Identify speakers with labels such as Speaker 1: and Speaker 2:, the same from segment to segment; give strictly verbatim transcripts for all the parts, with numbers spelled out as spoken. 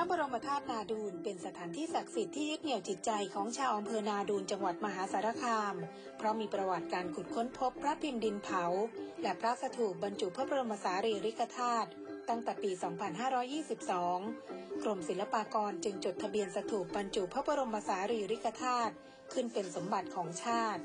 Speaker 1: บรมธาตุนาดูลเป็นสถานที่ศักดิ์สิทธิ์ที่ยึดเหนี่ยวจิตใจของชาวอำเภอนาดูลจังหวัดมหาสารคามเพราะมีประวัติการขุดค้นพบพระพิมพ์ดินเผาและพระสถูปบรรจุพระบรมสารีริกธาตุตั้งแต่ปี สองพันห้าร้อยยี่สิบสอง กรมศิลปากรจึงจดทะเบียนสถูปบรรจุพระบรมสารีริกธาตุขึ้นเป็นสมบัติของชาติ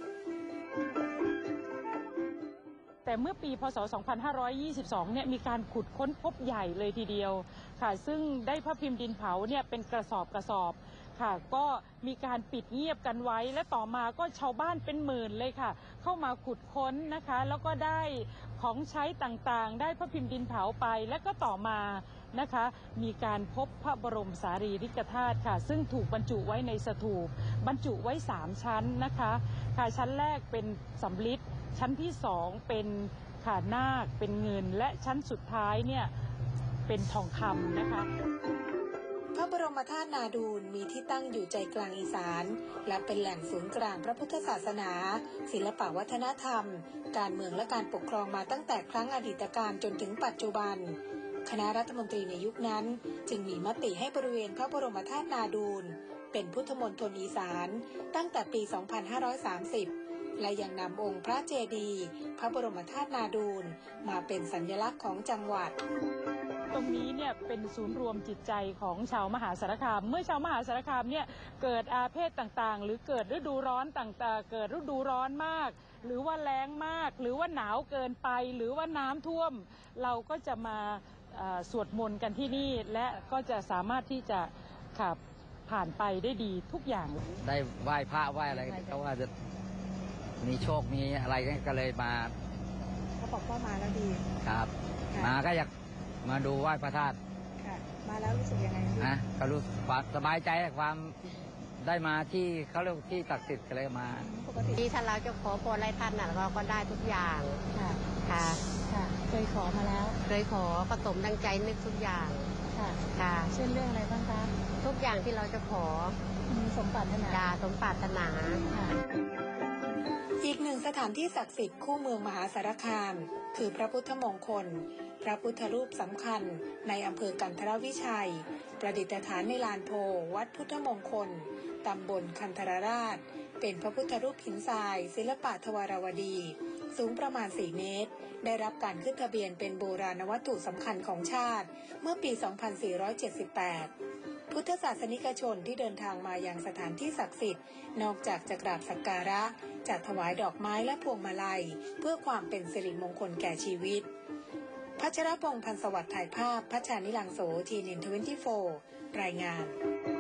Speaker 2: แต่เมื่อปีพศ สองพันห้าร้อยยี่สิบสอง เนี่ยมีการขุดค้นพบใหญ่เลยทีเดียวค่ะซึ่งได้พระพิมพ์ดินเผาเนี่ยเป็นกระสอบกระสอบค่ะก็มีการปิดเงียบกันไว้และต่อมาก็ชาวบ้านเป็นหมื่นเลยค่ะเข้ามาขุดค้นนะคะแล้วก็ได้ของใช้ต่างๆได้พระพิมพ์ดินเผาไปและก็ต่อมานะคะมีการพบพระบรมสารีริกธาตุค่ะซึ่งถูกบรรจุไว้ในสถูปบรรจุไว้สามชั้นนะคะค่ะชั้นแรกเป็นสำริดชั้นที่สองเป็นขานาคเป็นเงินและชั้นสุดท้ายเนี่ยเป็นทองคำนะคะ
Speaker 1: พระบรมธาตุนาดูลมีที่ตั้งอยู่ใจกลางอีสานและเป็นแหล่งศูนย์กลางพระพุทธศาสนาศิลปวัฒนธรรมการเมืองและการปกครองมาตั้งแต่ครั้งอดีตการจนถึงปัจจุบันคณะรัฐมนตรีในยุคนั้นจึงมีมติให้บริเวณพระบรมธาตุนาดูลเป็นพุทธมณฑลอีสานตั้งแต่ปี สองพันห้าร้อยสามสิบและยังนำองค์พระเจดีย์พระบรมธาตุนาดูลมาเป็นสัญลักษณ์ของจังหวัด
Speaker 2: ตรงนี้เนี่ยเป็นศูนย์รวมจิตใจของชาวมหาสารคามเมื่อชาวมหาสารคามเนี่ยเกิดอาเพศต่างๆหรือเกิดฤดูร้อนต่างๆเกิดฤดูร้อนมากหรือว่าแล้งมากหรือว่าหนาวเกินไปหรือว่าน้ำท่วมเราก็จะมาสวดมนต์กันที่นี่และก็จะสามารถที่จะขับผ่านไปได้ดีทุกอย่าง
Speaker 3: ได้ไหว้พระไหว้อะไรก็ว่าจะมีโชคมีอะไรก็เลยมา
Speaker 1: เขาบอกว่ามาแล้วดี
Speaker 3: ครับมาก็อยากมาดูไหว้พระธาตุ
Speaker 1: มาแล้วรู้สึกยังไง
Speaker 3: นะก็รู้ความสบายใจความได้มาที่เขาเรียกที่ศักดิ์สิทธิ์เลยมา
Speaker 4: ปกติถ้าเราจะขอพรอะไรท่านน่ะเราก็ได้ทุกอย่างค่ะค่ะ
Speaker 1: ค่ะเคยขอมาแล้ว
Speaker 4: เคยขอประสมดังใจนึกทุกอย่าง
Speaker 1: ค่ะ
Speaker 4: ค่ะ
Speaker 1: เช่นเรื่องอะไรบ้างคะ
Speaker 4: ทุกอย่างที่เราจะขอ
Speaker 1: สมปรารถนา
Speaker 4: จ้าสมปรารถนา
Speaker 1: ค่ะอีกหนึ่งสถานที่ศักดิ์สิทธิ์คู่เมืองมหาสารคามคือพระพุทธมงคลพระพุทธรูปสำคัญในอำเภอกันทรวิชัยประดิษฐานในลานโพวัดพุทธมงคลตำบลคันธรราชเป็นพระพุทธรูปหินทรายศิลปะทวารวดีสูงประมาณสี่เมตรได้รับการขึ้นทะเบียนเป็นโบราณวัตถุสำคัญของชาติเมื่อปี สองพันสี่ร้อยเจ็ดสิบแปด พุทธศาสนิกชนที่เดินทางมายังสถานที่ศักดิ์สิทธิ์นอกจากจะกราบสักการะจะถวายดอกไม้และพวงมาลัยเพื่อความเป็นสิริมงคลแก่ชีวิตพัชรพงษ์ พันธุ์สวัสดิ์ถ่ายภาพพัชชานิลังโส ที เอ็น ทเวนตี้โฟร์ รายงาน